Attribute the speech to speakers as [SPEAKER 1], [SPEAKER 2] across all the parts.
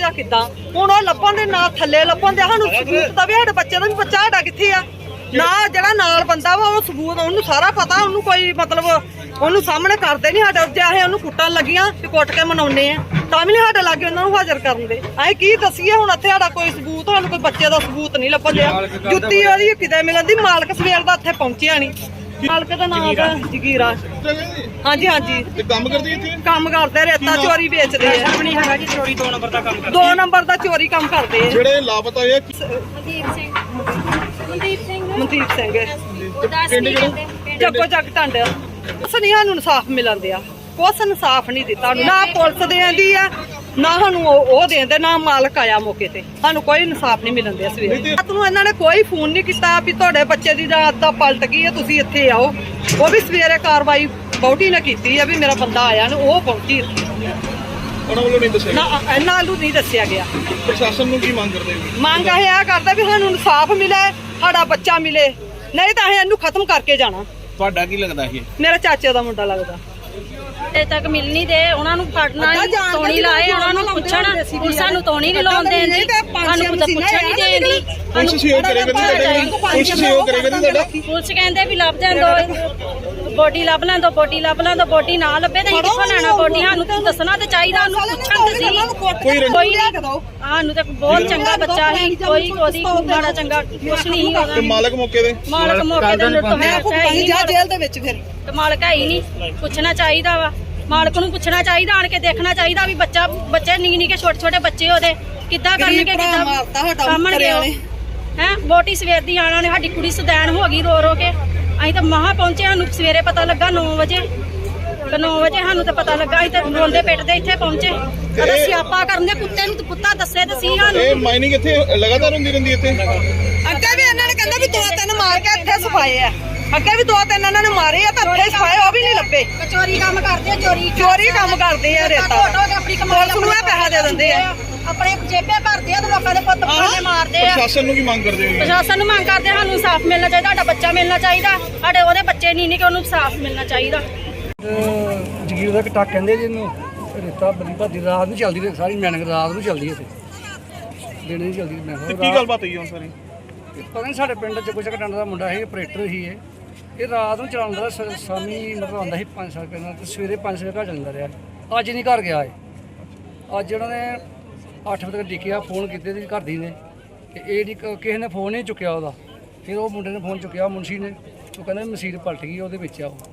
[SPEAKER 1] ਜਾਂ ਕਿੱਦਾਂ। ਹੁਣ ਉਹ ਲੱਭਣ ਦੇ ਨਾਲ ਥੱਲੇ ਲੱਭਣ ਦੇ ਸਾਨੂੰ ਸਬੂਤ ਦਾ ਵੀ ਸਾਡੇ ਬੱਚੇ ਦਾ ਵੀ ਬੱਚਾ ਸਾਡਾ ਕਿੱਥੇ ਆ ਨਾ। ਜਿਹੜਾ ਨਾਲ ਬੰਦਾ ਵਾ ਉਹ ਸਬੂਤ ਉਹਨੂੰ ਸਾਰਾ ਪਤਾ, ਉਹਨੂੰ ਕੋਈ ਮਤਲਬ ਉਹਨੂੰ ਸਾਹਮਣੇ ਕਰਦੇ ਨਹੀਂ ਸਾਡੇ। ਜੇ ਅਸੀਂ ਉਹਨੂੰ ਕੁੱਟਣ ਲੱਗੀਆਂ ਤੇ ਕੁੱਟ ਕੇ ਮਨਾਉਂਦੇ ਆ ਤਾਂ ਵੀ ਨਹੀਂ ਸਾਡੇ ਲਾਗੇ ਉਹਨਾਂ ਨੂੰ ਹਾਜ਼ਰ ਕਰਨ ਦੇ। ਅਸੀਂ ਕੀ ਦੱਸੀਏ ਹੁਣ ਇੱਥੇ ਸਾਡਾ ਕੋਈ ਸਬੂਤ, ਸਾਨੂੰ ਕੋਈ ਬੱਚੇ ਦਾ ਸਬੂਤ ਨਹੀਂ ਲੱਭਣ ਡਿਆ। ਜੁੱਤੀ ਉਹਦੀ ਕਿਤੇ ਮਿਲਣ ਦੀ, ਮਾਲਕ ਸਵੇਰ ਦਾ ਇੱਥੇ ਪਹੁੰਚਿਆ ਨਹੀਂ। ਮਾਲਕ ਦਾ ਨਾਮ ਹੈ ਜਗੀਰਾ। ਹਾਂਜੀ ਹਾਂਜੀ
[SPEAKER 2] ਕੰਮ ਕਰਦੀ ਇੱਥੇ,
[SPEAKER 1] ਕੰਮ ਕਰਦੇ, ਰੇਤਾ ਚੋਰੀ ਵੇਚਦੇ ਆ।
[SPEAKER 3] ਨਹੀਂ ਹੈਗਾ ਜੀ ਚੋਰੀ 2 ਨੰਬਰ ਦਾ ਕੰਮ ਕਰਦੇ।
[SPEAKER 1] 2 ਨੰਬਰ ਦਾ ਚੋਰੀ ਕੰਮ ਕਰਦੇ ਆ।
[SPEAKER 2] ਜਿਹੜੇ ਲਾਪਤਾ ਹੋਏ
[SPEAKER 1] ਮਨਦੀਪ ਸਿੰਘ
[SPEAKER 2] ਪਿੰਡ ਜਿਹੜੇ
[SPEAKER 1] ਜੱਗੋ ਜੱਗ ਟੰਡ ਸੁਨੀਆਂ ਨੂੰ ਇਨਸਾਫ ਮਿਲਣ ਦਿਆ। ਕੁਛ ਇਨਸਾਫ ਨਹੀਂ ਦਿੱਤਾ, ਨਾ ਪੁਲਿਸ ਦੇਂਦੀ ਆ ਨਾ ਸਾਨੂੰ ਉਹ ਦੇਂਦੇ, ਨਾ ਮਾਲਕ ਆਇਆ ਮੌਕੇ ਤੇ। ਸਾਨੂੰ ਕੋਈ ਇਨਸਾਫ ਨਹੀਂ ਮਿਲਣ ਦਿਆ। ਸਵੇਰੇ ਰਾਤ ਨੂੰ ਇਹਨਾਂ ਨੇ ਕੋਈ ਫੋਨ ਨਹੀਂ ਕੀਤਾ ਵੀ ਤੁਹਾਡੇ ਬੱਚੇ ਦੀ ਰਾਤ ਦਾ ਪਲਟ ਗਈ ਹੈ, ਤੁਸੀਂ ਇੱਥੇ ਆਓ। ਉਹ ਵੀ ਸਵੇਰੇ ਕਾਰਵਾਈ ਬੌਟੀ ਨੇ ਕੀਤੀ ਆ ਵੀ ਮੇਰਾ ਬੰਦਾ ਆਇਆ ਨੇ, ਉਹ ਪਹੁੰਚੀ।
[SPEAKER 2] ਉਹਨਾਂ ਵੱਲੋਂ ਨਹੀਂ ਦੱਸਿਆ
[SPEAKER 1] ਨਾ ਇਹਨਾਂ ਨੂੰ ਨਹੀਂ ਦੱਸਿਆ ਗਿਆ।
[SPEAKER 2] ਪ੍ਰਸ਼ਾਸਨ ਨੂੰ ਕੀ ਮੰਗ ਕਰਦੇ ਹੋ?
[SPEAKER 1] ਮੰਗ ਇਹ ਕਰਦਾ ਵੀ ਸਾਨੂੰ ਇਨਸਾਫ ਮਿਲੇ, ਸਾਡਾ ਬੱਚਾ ਮਿਲੇ, ਨਹੀਂ ਤਾਂ ਅਸੀਂ ਇਹਨੂੰ ਖਤਮ ਕਰਕੇ ਜਾਣਾ।
[SPEAKER 2] ਤੁਹਾਡਾ ਕੀ ਲੱਗਦਾ ਇਹ?
[SPEAKER 1] ਮੇਰਾ ਚਾਚੇ ਦਾ ਮੁੰਡਾ ਲੱਗਦਾ।
[SPEAKER 4] ਅਜੇ ਤੱਕ ਮਿਲ ਨਹੀਂ ਦੇ, ਉਹਨਾਂ ਨੂੰ ਫੜਨਾ ਤੋਣੀ ਲਾਏ, ਉਹਨਾਂ ਨੂੰ ਪੁੱਛਣ। ਹੁਣ ਸਾਨੂੰ ਤੋਣੀ ਨਹੀਂ ਲਾਉਣ ਦੇਂਦੀ, ਸਾਨੂੰ ਕੁਝ ਪੁੱਛਣ ਨਹੀਂ ਦੇਂਦੀ।
[SPEAKER 2] ਪੁਲਿਸ ਸਹਿਯੋਗ ਕਰੇਗਾ ਪੁਲਿਸ ਸਹਿਯੋਗ ਕਰੇਗਾ ਤੁਹਾਡਾ?
[SPEAKER 4] ਪੁਲਿਸ ਕਹਿੰਦੇ ਵੀ ਲੱਭ ਜਾਣ ਦੋ, ਬੋਡੀ ਲੱਭ ਲੈਣ ਦੋ, ਬੋਡੀ ਲੱਭ ਲੈਣ ਦੋ। ਬੋਡੀ ਨਾ ਲੱਭੇ ਤਾਂ ਅਸੀਂ ਕਿੱਥੋਂ ਲੈਣਾ ਬੋਡੀ? ਸਾਨੂੰ ਦੱਸਣਾ ਤੇ ਚਾਹੀਦਾ, ਉਹਨੂੰ ਪੁੱਛਣ ਤੇ ਸੀ। ਕੋਈ ਸਾਨੂੰ ਤੇ ਬਹੁਤ ਚੰਗਾ ਬੱਚਾ ਸੀ, ਕੋਈ ਉਹਦੀ ਮਾੜਾ ਚੰਗਾ ਕੁਛ ਨਹੀਂ ਸੀ ਉਹਦਾ।
[SPEAKER 2] ਮਾਲਕ ਮੌਕੇ ਦੇ
[SPEAKER 4] ਤੇ ਲੁੱਟ ਹੋਇਆ
[SPEAKER 1] ਜਾ ਜੇਲ੍ਹ ਦੇ ਵਿੱਚ ਫਿਰ
[SPEAKER 4] ਤੇ ਮਾਲਕ ਹੈ ਹੀ ਨਹੀਂ। ਪੁੱਛਣਾ ਚਾਹੀਦਾ ਵਾ, ਮਾਲਕ ਨੂੰ ਪੁੱਛਣਾ ਚਾਹੀਦਾ, ਆਣ ਕੇ ਦੇਖਣਾ ਚਾਹੀਦਾ ਵੀ ਬੱਚੇ ਨਿੱਕੇ ਛੋਟੇ ਬੱਚੇ ਉਹਦੇ ਕਿੱਦਾਂ ਕਰਨਗੇ, ਕਿੱਦਾਂ ਸਾਹਮਣੇ ਹੈ। ਬੋਟੀ ਸਵੇਰ ਦੀ ਆਣਾ ਨੇ, ਸਾਡੀ ਕੁੜੀ ਸਦੈਣ ਹੋ ਗਈ ਰੋ ਰੋ ਕੇ। ਅਸੀਂ ਤਾਂ ਮਹਾਂ ਪਹੁੰਚੇ, ਸਾਨੂੰ ਸਵੇਰੇ ਪਤਾ ਲੱਗਾ 9 ਵਜੇ। 9 ਵਜੇ ਸਾਨੂੰ ਤਾਂ ਪਤਾ ਲੱਗਾ, ਅਸੀਂ ਤਾਂ ਰੋਂਦੇ ਪਿੱਟਦੇ ਇੱਥੇ ਪਹੁੰਚੇ। ਅਦਾ ਸਿਆਪਾ ਕਰਨ ਦੇ ਕੁੱਤੇ ਨੂੰ ਕੁੱਤਾ ਦੱਸੇ ਤੇ ਸੀ ਸਾਨੂੰ।
[SPEAKER 2] ਇਹ ਮਾਈਨਿੰਗ ਇੱਥੇ ਲਗਾਤਾਰ ਹੁੰਦੀ ਰਹਿੰਦੀ ਇੱਥੇ।
[SPEAKER 1] ਅੱਗੇ ਵੀ ਇਹਨਾਂ ਨੇ ਕਹਿੰਦਾ ਵੀ 2-3 ਮਾਰ ਕੇ ਇੱਥੇ ਸਫਾਏ ਆ। ਅੱਗੇ ਵੀ 2-3 ਇਹਨਾਂ ਨੇ ਮਾਰੇ ਆ ਤਾਂ ਇੱਥੇ ਸਫਾਏ, ਉਹ ਵੀ ਨਹੀਂ ਲੱਭੇ।
[SPEAKER 4] ਚੋਰੀ ਕੰਮ ਕਰਦੇ ਆ,
[SPEAKER 1] ਚੋਰੀ ਕੰਮ ਕਰਦੇ ਆ ਰੇਤਾ। ਪੁਲਿਸ ਨੂੰ ਇਹ ਪੈਸਾ ਦੇ ਦਿੰਦੇ ਆ,
[SPEAKER 4] ਆਪਣੇ ਜੇਬੇ ਭਰਦੇ ਆ ਤੇ ਲੋਕਾਂ ਦੇ ਪੁੱਤ ਪਾਣੇ ਮਾਰਦੇ ਆ।
[SPEAKER 2] ਪ੍ਰਸ਼ਾਸਨ ਨੂੰ ਕੀ ਮੰਗ ਕਰਦੇ ਹੋ?
[SPEAKER 4] ਪ੍ਰਸ਼ਾਸਨ ਨੂੰ ਮੰਗ ਕਰਦੇ, ਸਾਨੂੰ ਇਨਸਾਫ ਮਿਲਣਾ ਚਾਹੀਦਾ, ਸਾਡਾ ਬੱਚਾ ਮਿਲਣਾ ਚਾਹੀਦਾ। ਸਾਡੇ ਉਹਦੇ ਬੱਚੇ ਨਹੀਂ ਕਿ ਉਹਨੂੰ ਇਨਸਾਫ ਮਿਲਣਾ ਚਾਹੀਦਾ।
[SPEAKER 3] ਜਗੀਰ ਦਾ ਕਟਾ ਕਹਿੰਦੇ ਜਿਹਨੂੰ ਰੇਤਾ ਬੜੀ ਭਾਦੀ ਰਾਤ ਨੂੰ ਚੱਲਦੀ ਰਹੀ, ਸਾਰੀ ਮੈਨਿੰਗ ਰਾਤ ਨੂੰ ਚੱਲਦੀ ਇੱਥੇ, ਦਿਨ ਨਹੀਂ ਚੱਲਦੀ। ਮੈਂ
[SPEAKER 2] ਕੀ ਗੱਲਬਾਤ ਹੋਈ ਹੁਣ ਸਾਰੀ?
[SPEAKER 3] ਪਤਾ ਨਹੀਂ, ਸਾਡੇ ਪਿੰਡ ਜੱਗੋ ਜੱਗ ਟੰਡ ਦਾ ਮੁੰਡਾ ਸੀ, ਆਪਰੇਟਰ ਸੀ। ਇਹ ਰਾਤ ਨੂੰ ਚਲਾਉਂਦਾ, ਸ਼ਾਮੀ ਮਤਲਬ ਆਉਂਦਾ ਸੀ 5 ਸਾਲ ਪਹਿਲਾਂ ਤੇ ਸਵੇਰੇ 5 ਵਜੇ ਘਰ ਚੱਲਦਾ ਰਿਹਾ। ਅੱਜ ਨਹੀਂ ਘਰ ਗਿਆ ਇਹ। ਅੱਜ ਉਹਨਾਂ ਨੇ 8 ਵਜੇ ਤੱਕ ਡਿੱਕਿਆ, ਫੋਨ ਕੀਤੇ ਸੀ ਘਰ ਦੀ ਨੇ ਤੇ ਇਹ ਕਿਸੇ ਨੇ ਫੋਨ ਨਹੀਂ ਚੁੱਕਿਆ ਉਹਦਾ। ਫਿਰ ਉਹ ਮੁੰਡੇ ਨੇ ਫੋਨ ਚੁੱਕਿਆ, ਮੁਨਸ਼ੀ ਨੇ। ਉਹ ਕਹਿੰਦਾ ਮਸੀਤ ਪਲਟ ਗਈ, ਉਹਦੇ ਵਿੱਚ ਆ ਉਹ।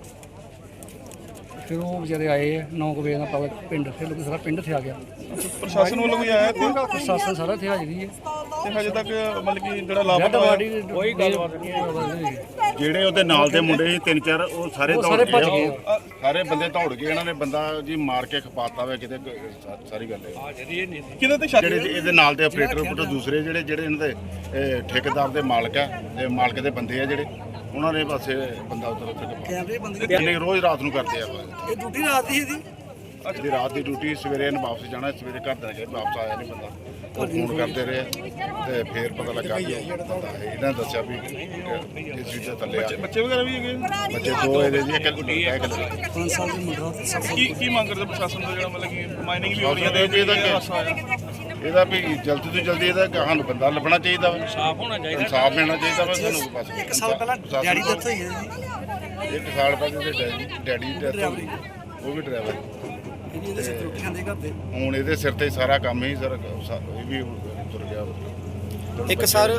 [SPEAKER 3] ਫਿਰ ਉਹ ਵਿਚਾਰੇ ਆਏ 9 ਵਜੇ ਨਾਲ ਪਤਾ ਪਿੰਡ, ਫਿਰ ਲੋਕ ਸਾਰਾ ਪਿੰਡ ਇੱਥੇ ਆ ਗਿਆ।
[SPEAKER 2] ਪ੍ਰਸ਼ਾਸਨ ਵੱਲੋਂ ਵੀ ਆਇਆ ਇੱਥੇ?
[SPEAKER 3] ਪ੍ਰਸ਼ਾਸਨ ਸਾਰਾ ਇੱਥੇ ਹਾਜ਼ਰੀ ਹੈ
[SPEAKER 2] ਤੇ ਹਜੇ ਤੱਕ ਮਤਲਬ ਕਿ ਜਿਹੜਾ ਲਾਪਤਾ ਹੋਇਆ
[SPEAKER 3] ਕੋਈ ਗੱਲਬਾਤ ਨਹੀਂ।
[SPEAKER 5] ਜਿਹੜੇ ਉਹਦੇ ਨਾਲ ਦੇ ਮੁੰਡੇ ਸੀ 3-4 ਉਹ ਸਾਰੇ
[SPEAKER 3] ਭੱਜ ਗਏ।
[SPEAKER 5] ਸਾਰੇ ਬੰਦੇ ਦੌੜ ਗਏ। ਇਹਨਾਂ ਨੇ ਬੰਦਾ ਜੀ ਮਾਰ ਕੇ ਖਪਾਤਾ ਵੇ ਕਿਤੇ। ਸਾਰੀ ਗੱਲ
[SPEAKER 2] ਕਿਹਦੇ ਤੇ ਸ਼ੱਕ?
[SPEAKER 5] ਜਿਹੜੇ ਇਹਦੇ ਨਾਲ ਦੇ ਆਪਰੇਟਰ ਪੁੱਟ ਦੂਸਰੇ ਜਿਹੜੇ ਇਹਨਾਂ ਦੇ ਠੇਕੇਦਾਰ ਦੇ ਮਾਲਕ ਆ ਤੇ ਮਾਲਕ ਦੇ ਬੰਦੇ ਆ ਜਿਹੜੇ, ਉਹਨਾਂ ਨੇ ਬਸ ਬੰਦਾ ਉੱਥੇ ਰੋਜ਼ ਰਾਤ ਨੂੰ ਕਰਦੇ ਆ।
[SPEAKER 3] ਇਹ ਡਿਊਟੀ ਰਾਤ ਦੀ ਸੀ
[SPEAKER 5] ਇਹਦੀ ਰਾਤ ਦੀ ਡਿਊਟੀ, ਸਵੇਰੇ ਇਹਨੇ ਵਾਪਸ ਜਾਣਾ। ਸਵੇਰੇ ਘਰ ਦਾ ਵਾਪਸ ਆਇਆ ਨਹੀਂ ਬੰਦਾ, ਉਹ ਫੋਨ ਕਰਦੇ ਰਹੇ ਤੇ ਫਿਰ ਪਤਾ ਲੱਗਾ ਕਿ ਇਹਨਾਂ ਦੱਸਿਆ ਵੀ ਇਸ ਚੀਜ਼ ਦੇ ਥੱਲੇ ਆ।
[SPEAKER 2] ਬੱਚੇ ਵਗੈਰਾ ਵੀ ਹੈਗੇ?
[SPEAKER 5] ਬੱਚੇ 2 ਇਹਦੇ ਦੀ, ਇੱਕ ਗੁੱਡੀ ਹੈ,
[SPEAKER 3] 5 ਸਾਲ ਦੀ ਮੁੰਡਾ।
[SPEAKER 2] ਕੀ ਮੰਗ ਕਰਦੇ ਪ੍ਰਸ਼ਾਸਨ ਦਾ? ਜਿਹੜਾ ਮਤਲਬ ਕਿ ਮਾਈਨਿੰਗ ਵੀ ਹੋ ਰਹੀ ਹੈ ਤੇ
[SPEAKER 5] ਇਹਦਾ ਵੀ ਜਲਦੀ ਤੋਂ ਜਲਦੀ ਇਹਦਾ ਸਾਨੂੰ ਬੰਦਾ ਲੱਭਣਾ ਚਾਹੀਦਾ ਵਾ, ਇਨਸਾਫ ਹੋਣਾ ਚਾਹੀਦਾ, ਇਨਸਾਫ ਮਿਲਣਾ ਚਾਹੀਦਾ ਵਾ ਸਾਨੂੰ। ਬਸ
[SPEAKER 3] 1 ਸਾਲ ਪਹਿਲਾਂ ਡੈਡੀ ਡੈਥ ਹੋਈ ਹੈ ਜੀ।
[SPEAKER 5] 1 ਸਾਲ ਪਹਿਲਾਂ ਇਹਦੇ ਡੈਡੀ ਦੀ ਡੈਥ ਹੋਈ, ਉਹ ਵੀ ਡਰਾਈਵਰ।
[SPEAKER 3] ਇਹਦੇ ਸਿਰ ਰੋਟੀ ਖਾਂਦੇ ਘਰ ਦੇ।
[SPEAKER 5] ਹੁਣ ਇਹਦੇ ਸਿਰ ਤੇ ਸਾਰਾ ਕੰਮ ਹੀ ਸਰ ਇਹ ਵੀ ਤੁਰ ਗਿਆ।
[SPEAKER 6] ਇੱਕ ਸਰ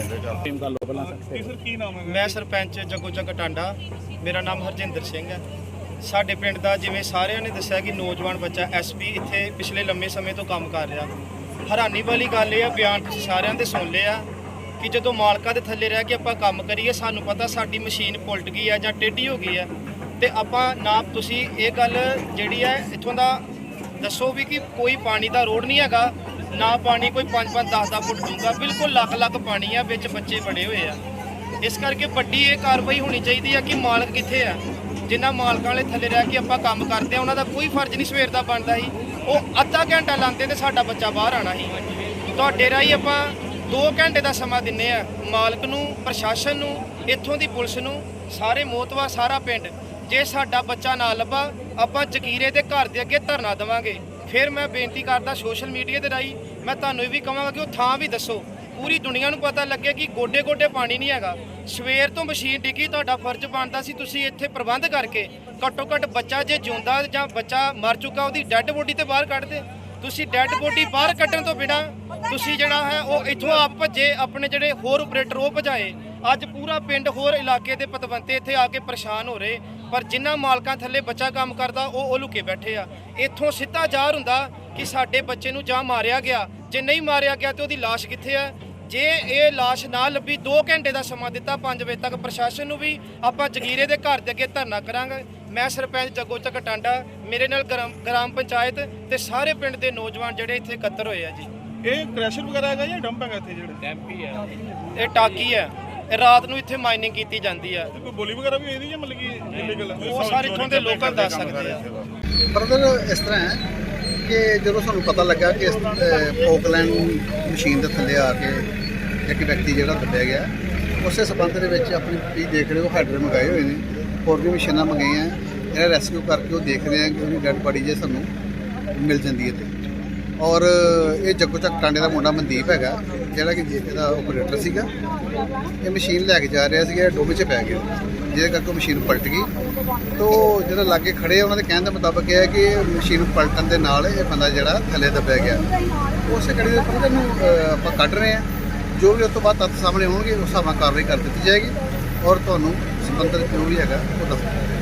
[SPEAKER 2] ਕੀ ਨਾਮ ਹੈ?
[SPEAKER 6] ਮੈਂ ਸਰਪੰਚ ਜੱਗੋ ਜੱਗ ਟਾਂਡਾ, ਮੇਰਾ ਨਾਮ ਹਰਜਿੰਦਰ ਸਿੰਘ ਹੈ। ਸਾਡੇ ਪਿੰਡ ਦਾ ਜਿਵੇਂ ਸਾਰਿਆਂ ਨੇ ਦੱਸਿਆ ਕਿ ਨੌਜਵਾਨ ਬੱਚਾ ਐਸਪੀ ਇੱਥੇ ਪਿਛਲੇ ਲੰਮੇ ਸਮੇਂ ਤੋਂ ਕੰਮ ਕਰ ਰਿਹਾ। ਹੈਰਾਨੀ ਵਾਲੀ ਗੱਲ ਇਹ ਆ, ਬਿਆਨ ਤੁਸੀਂ ਸਾਰਿਆਂ ਦੇ ਸੁਣ ਲਏ ਆ ਕਿ ਜਦੋਂ ਮਾਲਕਾਂ ਦੇ ਥੱਲੇ ਰਹਿ ਕੇ ਆਪਾਂ ਕੰਮ ਕਰੀਏ, ਸਾਨੂੰ ਪਤਾ ਸਾਡੀ ਮਸ਼ੀਨ ਪੁਲਟ ਗਈ ਹੈ ਜਾਂ ਟੇਢੀ ਹੋ ਗਈ ਹੈ, ਤੇ ਆਪਾਂ ਨਾ ਤੁਸੀਂ ਇਹ ਗੱਲ ਜਿਹੜੀ ਹੈ ਇੱਥੋਂ ਦਾ ਦੱਸੋ ਵੀ ਕਿ ਕੋਈ ਪਾਣੀ ਦਾ ਰੋਡ ਨਹੀਂ ਹੈਗਾ, ਨਾ ਪਾਣੀ ਕੋਈ 5-5 10-10 ਫੁੱਟ ਡੂੰਘਾ, ਬਿਲਕੁਲ ਲੱਖ ਪਾਣੀ ਆ, ਵਿੱਚ ਬੱਚੇ ਬੜੇ ਹੋਏ ਆ। ਇਸ ਕਰਕੇ ਵੱਡੀ ਇਹ ਕਾਰਵਾਈ ਹੋਣੀ ਚਾਹੀਦੀ ਆ ਕਿ ਮਾਲਕ ਕਿੱਥੇ ਆ। ਜਿਨ੍ਹਾਂ ਮਾਲਕਾਂ ਵਾਲੇ ਥੱਲੇ ਰਹਿ ਕੇ ਆਪਾਂ ਕੰਮ ਕਰਦੇ ਆ, ਉਹਨਾਂ ਦਾ ਕੋਈ ਫਰਜ਼ ਨਹੀਂ ਸਵੇਰ ਦਾ ਬਣਦਾ ਸੀ। ਉਹ ਅੱਧਾ ਘੰਟਾ ਲਾਉਂਦੇ ਤੇ ਸਾਡਾ ਬੱਚਾ ਬਾਹਰ ਆਣਾ ਸੀ। ਤੁਹਾਡੇ ਰਾਹੀਂ ਆਪਾਂ 2 ਘੰਟੇ ਦਾ ਸਮਾਂ ਦਿੰਨੇ ਆ ਮਾਲਕ ਨੂੰ, ਪ੍ਰਸ਼ਾਸਨ ਨੂੰ, ਇੱਥੋਂ ਦੀ ਪੁਲਿਸ ਨੂੰ, ਸਾਰੇ ਮੋਤਵਾ ਸਾਰਾ ਪਿੰਡ। ਜੇ ਸਾਡਾ ਬੱਚਾ ਨਾ ਲੱਭਾ, ਆਪਾਂ ਜਕੀਰੇ ਦੇ ਘਰ ਦੇ ਅੱਗੇ ਧਰਨਾ ਦੇਵਾਂਗੇ। ਫਿਰ ਮੈਂ ਬੇਨਤੀ ਕਰਦਾ ਸੋਸ਼ਲ ਮੀਡੀਆ ਦੇ ਰਾਹੀਂ ਮੈਂ ਤੁਹਾਨੂੰ ਇਹ ਵੀ ਕਹਾਂਗਾ ਕਿ ਉਹ ਥਾਂ ਵੀ ਦੱਸੋ, ਪੂਰੀ ਦੁਨੀਆ ਨੂੰ ਪਤਾ ਲੱਗੇ ਕਿ ਗੋਡੇ ਗੋਡੇ ਪਾਣੀ ਨਹੀਂ ਹੈਗਾ। ਸਵੇਰ ਤੋਂ ਮਸ਼ੀਨ ਡਿੱਗੀ, ਤੁਹਾਡਾ ਫਰਜ਼ ਬਣਦਾ ਸੀ ਤੁਸੀਂ ਇੱਥੇ ਪ੍ਰਬੰਧ ਕਰਕੇ ਘੱਟੋ ਘੱਟ ਬੱਚਾ ਜੇ ਜਿਉਂਦਾ ਜਾਂ ਬੱਚਾ ਮਰ ਚੁੱਕਾ ਉਹਦੀ ਡੈੱਡ ਬੋਡੀ ਤੇ ਬਾਹਰ ਕੱਢਦੇ। ਤੁਸੀਂ ਡੈੱਡ ਬੋਡੀ ਬਾਹਰ ਕੱਢਣ ਤੋਂ ਬਿਨਾਂ ਤੁਸੀਂ ਜਿਹੜਾ ਹੈ ਉਹ ਇੱਥੋਂ ਆਪ ਭੱਜੇ, ਆਪਣੇ ਜਿਹੜੇ ਹੋਰ ਆਪਰੇਟਰ ਉਹ ਭਜਾਏ। ਅੱਜ ਪੂਰਾ ਪਿੰਡ ਹੋਰ ਇਲਾਕੇ ਦੇ ਪਤਵੰਤੇ ਇੱਥੇ ਆ ਕੇ ਪਰੇਸ਼ਾਨ ਹੋ ਰਹੇ, ਪਰ ਜਿਨ੍ਹਾਂ ਮਾਲਕਾਂ ਥੱਲੇ ਬੱਚਾ ਕੰਮ ਕਰਦਾ ਉਹ ਲੁਕੇ ਬੈਠੇ ਆ। ਇੱਥੋਂ ਸਿੱਧਾ ਜ਼ਾਹਰ ਹੁੰਦਾ ਕਿ ਸਾਡੇ ਬੱਚੇ ਨੂੰ ਜਾਂ ਮਾਰਿਆ ਗਿਆ, ਜੇ ਨਹੀਂ ਮਾਰਿਆ ਗਿਆ ਤੇ ਉਹਦੀ ਲਾਸ਼ ਕਿੱਥੇ ਆ। ਜੇ ਇਹ ਲਾਸ਼ ਨਾ ਲੱਭੀ 2 ਘੰਟੇ ਦਾ ਸਮਾਂ ਦਿੱਤਾ 5 ਵਜੇ ਤੱਕ ਪ੍ਰਸ਼ਾਸਨ ਨੂੰ ਵੀ ਆਪਾਂ ਜਗੀਰੇ ਦੇ ਘਰ ਦੇ ਅੱਗੇ ਧਰਨਾ ਕਰਾਂਗੇ। ਮੈਂ ਸਰਪੰਚ ਜੱਗੋ ਚੱਕ ਟਾਂਡਾ, ਮੇਰੇ ਨਾਲ ਗ੍ਰਾਮ ਪੰਚਾਇਤ ਤੇ ਸਾਰੇ ਪਿੰਡ ਦੇ ਨੌਜਵਾਨ ਜਿਹੜੇ ਇੱਥੇ ਇਕੱਤਰ ਹੋਏ ਆ ਜੀ।
[SPEAKER 2] ਇਹ ਕ੍ਰੈਸ਼ਰ ਵਗੈਰਾ ਹੈਗਾ ਜਾਂ ਡੰਪ ਹੈਗਾ ਇੱਥੇ ਜਿਹੜਾ ਡੈਂਪ ਹੀ ਹੈ?
[SPEAKER 6] ਇਹ ਟਾਕੀ ਹੈ, ਇਹ ਰਾਤ ਨੂੰ ਇੱਥੇ ਮਾਈਨਿੰਗ ਕੀਤੀ ਜਾਂਦੀ ਆ।
[SPEAKER 2] ਕੋਈ ਬੋਲੀ ਵਗੈਰਾ ਵੀ ਇਹਦੀ ਜਾਂ ਮਤਲਬ ਕਿ ਇਲੀਗਲ ਹੈ?
[SPEAKER 6] ਉਹ ਸਾਰੇ ਇੱਥੋਂ ਦੇ ਲੋਕਲ ਦੱਸ ਸਕਦੇ ਆ।
[SPEAKER 7] ਬਰਦਰ ਇਸ ਤਰ੍ਹਾਂ ਹੈ ਕਿ ਜਦੋਂ ਸਾਨੂੰ ਪਤਾ ਲੱਗਾ ਕਿ ਪੋਕਲੈਂਡ ਮਸ਼ੀਨ ਦੇ ਥੱਲੇ ਆ ਕੇ ਇੱਕ ਵਿਅਕਤੀ ਜਿਹੜਾ ਦੱਬਿਆ ਗਿਆ, ਉਸੇ ਸਬੰਧ ਦੇ ਵਿੱਚ ਆਪਣੀ ਤੁਸੀਂ ਦੇਖ ਰਹੇ ਹੋ ਹਾਈਡਰ ਮੰਗਾਏ ਹੋਏ ਨੇ, ਹੋਰ ਵੀ ਮਸ਼ੀਨਾਂ ਮੰਗਾਈਆਂ। ਇਹਦਾ ਰੈਸਕਿਊ ਕਰਕੇ ਉਹ ਦੇਖ ਰਹੇ ਆ ਕਿ ਉਹਦੀ ਡੈਡ ਬਾਡੀ ਜੇ ਸਾਨੂੰ ਮਿਲ ਜਾਂਦੀ ਹੈ ਤੇ। ਔਰ ਇਹ ਜੱਗੋ ਚੱਕ ਟਾਂਡੇ ਦਾ ਮੁੰਡਾ ਮਨਦੀਪ ਹੈਗਾ ਜਿਹੜਾ ਕਿ ਇਹਦਾ ਆਪਰੇਟਰ ਸੀਗਾ। ਇਹ ਮਸ਼ੀਨ ਲੈ ਕੇ ਜਾ ਰਿਹਾ ਸੀਗਾ, ਡੋਬੇ 'ਚ ਪੈ ਗਿਆ ਜਿਹਦੇ ਕਰਕੇ ਮਸ਼ੀਨ ਪਲਟ ਗਈ। ਤੋ ਜਿਹੜਾ ਲਾਗੇ ਖੜੇ ਉਹਨਾਂ ਦੇ ਕਹਿਣ ਦੇ ਮੁਤਾਬਕ ਇਹ ਹੈ ਕਿ ਮਸ਼ੀਨ ਪਲਟਣ ਦੇ ਨਾਲ ਇਹ ਬੰਦਾ ਜਿਹੜਾ ਥੱਲੇ ਦੱਬਿਆ ਗਿਆ। ਉਸੇ ਕੜੀ ਦੇ ਉੱਪਰ ਇਹਨੂੰ ਆਪਾਂ ਕੱਢ ਰਹੇ ਹਾਂ। ਜੋ ਵੀ ਉਸ ਤੋਂ ਬਾਅਦ ਤੱਥ ਸਾਹਮਣੇ ਹੋਣਗੇ ਉਸ ਹਿਸਾਬ ਨਾਲ ਕਾਰਵਾਈ ਕਰ ਦਿੱਤੀ ਜਾਏਗੀ ਔਰ ਤੁਹਾਨੂੰ ਸੰਬੰਧਿਤ ਜੋ ਵੀ ਹੈਗਾ ਉਹ ਦੱਸ